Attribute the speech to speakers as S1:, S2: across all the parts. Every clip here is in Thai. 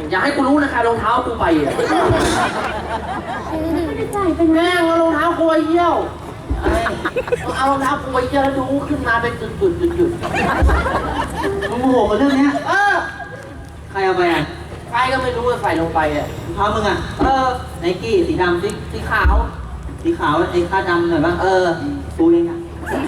S1: อย่าให้กูรู้นะคะรองเท้ากูไปอ่ะ
S2: ไม่ได้ใส่เป็น
S1: แม่งเอารองเท้ากูไปเยี่ยวเอารองเท้ากูไปเยี่ยวแล้วดูขึ้นมาเป็นจุด
S3: มึงโมโหกับเรื่องเนี้ย ใครเอาไปอ่ะ
S1: ใครก็ไม่รู้ว่าใส่ลงไปอ่ะ
S3: รองเท้ามึงอ่ะไนกี้สีดำ
S1: สีขาว
S3: สีขาวไอ้คาดดำหน่อยบ้างกูเองอ่ะ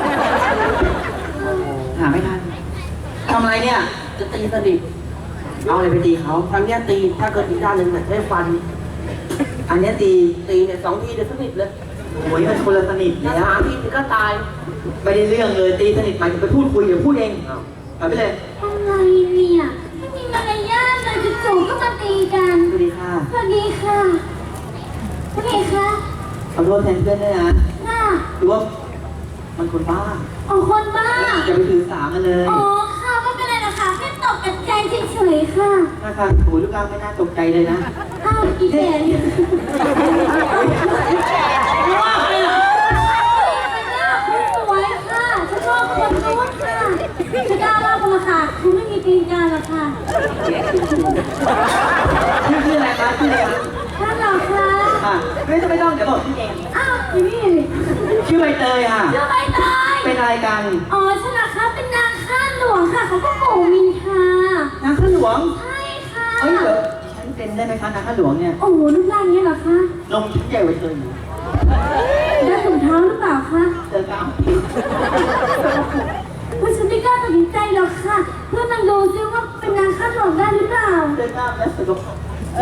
S3: หาไม่ทันทำอะไรเนี่ย
S1: จะตีสนิท
S3: เอาอะไรไปตีเขา
S1: ครั้งเนี้ยตีถ้าเกิดอีกด้านหนึ่งเนี่ยได้ฟัน
S3: อันเนี้ยตี
S1: เนี่ย2 ทีเดี๋ยวสนิทเลย
S3: โอ้ยมันคนละสนิท
S1: ถ้า
S3: เนี่ย
S1: 3 ทีก็ตาย
S3: ไม่ได้เรื่องเลยตีสนิทหมายถึงไปพูดคุยเดี๋ยวพูดเองเอาไปเลย
S2: อะไรเนี่ยไม่มีมารยาทเลยจู่ๆก็มาตีกัน
S3: สวัสดีค่ะ
S2: สวัสดีค่ะสวัสดีค่ะ
S3: ขอโทษแทนเพื่อนด้วยนะ
S2: ค่ะ
S3: หรือว่ามันคนบ้า
S2: อ๋อคนบ้า
S3: อย่าไปถือสามันเลย
S2: อ๋อค่ะไม่เป็นไรนะคะแค่ตกใจเฉยๆค่ะ
S3: หน้าตาโหลูกร่างไม่น่าตกใจเลยนะ
S2: อ้าวอีแก่เนี่ยว่าไปเหรอสวยค่ะฉันชอบคนนู้นค่ะจะกล้าเล่าคนละค่ะคุณไม่มีตีนกาหรอกค่ะ
S3: ชื่ออะไรคะชื่ออะไรคะ
S2: ท่านเหรอคะ
S3: ไม่ต้องเดี๋ยวบอกชื่อเอง
S2: อ้าวนี่
S3: ชื่อใบเตยค่ะ
S2: ชื่อใบเตย
S3: เป็นอะไรกัน
S2: อ๋อฉันนะคะเป็นนางข้าหลวงค่ะเขาก็โกมินค่ะ
S3: นางข้าหลวง
S2: ใช่ค่ะ
S3: เฮ้ยเดี๋ยวฉันเป็นได้ไหมคะนางข้าหลวงเนี่ย
S2: โอ้โหรูปร่างนี้เหรอคะ
S3: นมชิ้นใหญ่กว่าเธออยู่
S2: ได้ถุงเท้าหรือเปล่าคะ
S3: เธอก้าว
S2: ว่าฉันไม่กล้าตัดสินใจหรอกค่ะ เพื่อนมันดูซิว่าเป็นนางข้าหลวงได้หรือเปล่า
S3: เธอก้าวและสกปรก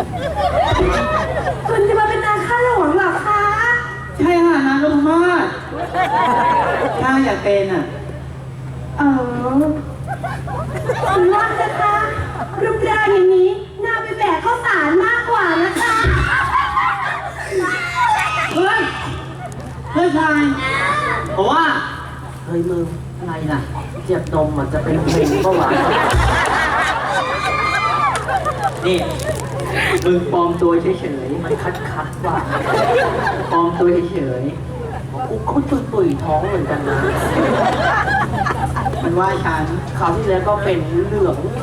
S2: คุณจะมาเป็นนางข้าหลวงเหรอคะ
S3: ใช่ค่ะนางนพมาศถ้าอยากเป็นอ่ะ
S2: คุณว่านะคะรูปร่างอย่างนี้น่าไปแบกข้าวสารมากกว่านะคะ
S3: เฮ้ยเฮ้ยชายผมว่า
S1: เฮ้ยมึง
S3: อะไรล่ะ
S1: เจ็บนมมันจะเป็นเพลงเมื่อวาน
S3: นี่มึงปลอมตัวเฉย
S1: มันคัดว่ะ
S3: ๆปลอมตัวเฉย
S1: กูก็ตุยท้องเหมือนกันนะ
S3: ๆมันว่าฉัน
S1: คราวที่แล้วก็เป็นเหลืองเลย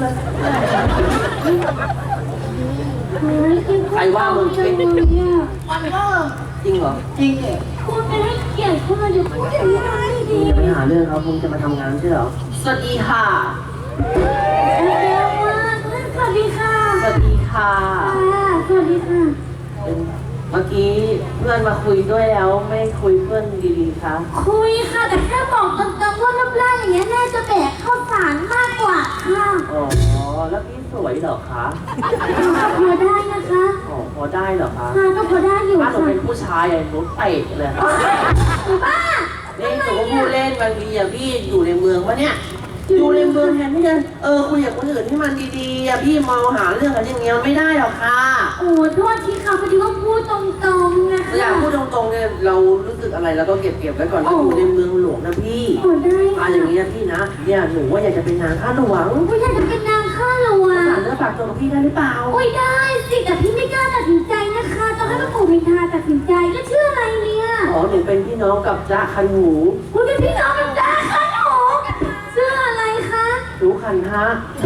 S1: ใครว่ามึงเป็น
S2: มันก็
S1: จริงเหรอ
S3: จริงเนี่ย
S2: คุณไม่ให้เกียรติเขาเลยเดี๋ยวพูดอย่างนี้ไม่ดี
S1: อย่าไปหาเรื่องเขาคงจะมาทำงานใช่เหรอ สวัสดีค่ะ
S2: เร็วมากสวัสดีค่ะ
S1: สวัสดีค่ะ
S2: สวัสดีค่ะ
S1: เมื่อกี้เพื่อนมาคุยด้วยแล้วไม่คุยเพื่อนดีๆคะ
S2: คุยค่ะแต่แค่บอกตรงๆว่ารูปร่างอย่างเงี้ยน่าจะแบกข้าวสารมากกว่าค่ะ
S1: อ๋อ แล้วพี่สวยเหรอคะ
S2: พอได้นะคะ
S1: อ๋อ พอได้เหรอคะ
S2: ค่ะก็พอได้อยู่
S1: ถ้าหนู
S2: ค่ะ
S1: เป็นผู้ชายอะหนูเตะเลย
S2: หนูบ้า
S1: นี่หนูก็พูดเล่นบางทีอะพี่อยู่ในเมืองวะเนี่ย อยู่ในเมืองแทนที่จะคุยกับคนอื่นที่มันดีๆอะพี่เมาหาเรื่องกันอย่างเงี้ยไม่ได้หรอกค่ะ
S2: โอ้โทษทีค่ะพอดีว่าพูดตรงๆนะคะ
S1: อยากพูดตรงๆเนี่ยเรารู้สึกอะไรเราก็เก็บไว้ก่อนเราอยู่ในเมืองหลวงนะพี่
S2: โอ้ได้
S1: อะ
S2: ค่ะ
S1: อย่างเงี้ยพี่นะเนี่ยหนูว่าอยากจะเป็นนางข้าหลวง
S2: ว่าอยากจะเป็นนางข้าหลวง
S1: ฝากเนื้อฝากตัวกับพี่ได้หรือเปล่า
S2: โอ้ยได้สิแต่พี่ไม่กล้าตัดสินใจนะคะต้องให้พระปู่มินทราตัดสินใจแล้วชื่ออะไรเนี่ย
S1: อ๋อหนูเป็นพี่น้องกับจ๊ะคันหู
S2: คุณเป็นพี่น้องกับจ้าคะหนูชื่ออะไรคะ
S1: หนูคันฮะ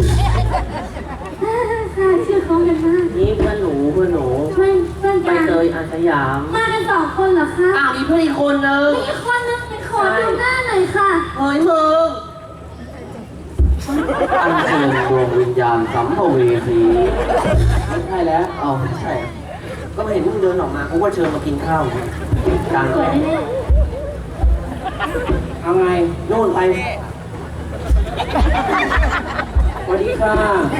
S2: ค่ะชื่อเขากันมาก
S1: นี่เพื่อนหนู
S2: เพื่อน
S1: ใบ
S2: กัน
S1: เตยอาสยาม
S2: มากัน2 คนเหรอคะ
S1: มีเพื่อนอีกคนนึง
S2: มีคนนึงไปขอดูหน้าหน่อยค่ะ
S1: เฮ้ยมึงอันเชิญดวงวิญญาณสัมภเวสีไม่ใช่แล้วอ๋อไม่ใช่ ก็เห็นมึงเดินออกมาเขาก็เชิญมากินข้าวกลาง
S2: สวยแน่
S1: เอาไงโน่นไปสวัสดีค่ะ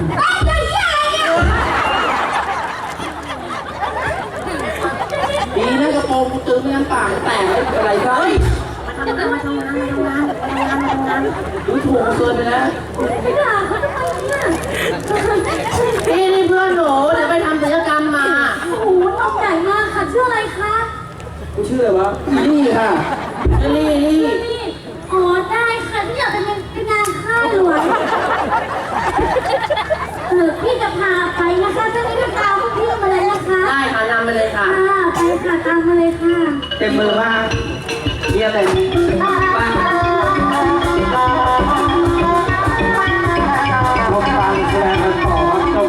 S1: ดีนะกระโปรงกูตึงไม่งั้นปากแตกไม่เป็นไรก็เฮ้ยมาทำงานดูถูกกูเกินไปแล้ว
S2: ๆไม่ด่าเขาทำไมเนี่ย
S1: นี่เพื่อนหนูเดี๋ยวไปทำศัลยกรรมมา
S2: โอ้โหน้องใหญ่มากค่ะชื่ออะไรคะ
S1: กูชื่ออะไรวะนี่ค่ะนี่
S2: นี่อ๋อได้ค่ะที่อยากเป็นงานข้าวหลวงพี่จะพาไปนะคะถ้าไม่ได้พาพวกพี่มาเลยนะคะ
S1: ได้ค่ะนำไปเลยค่ะ
S2: ไปค่ะตามมาเลยค่ะ
S3: เต็มมือมากเยี่ยมเลย
S2: เอ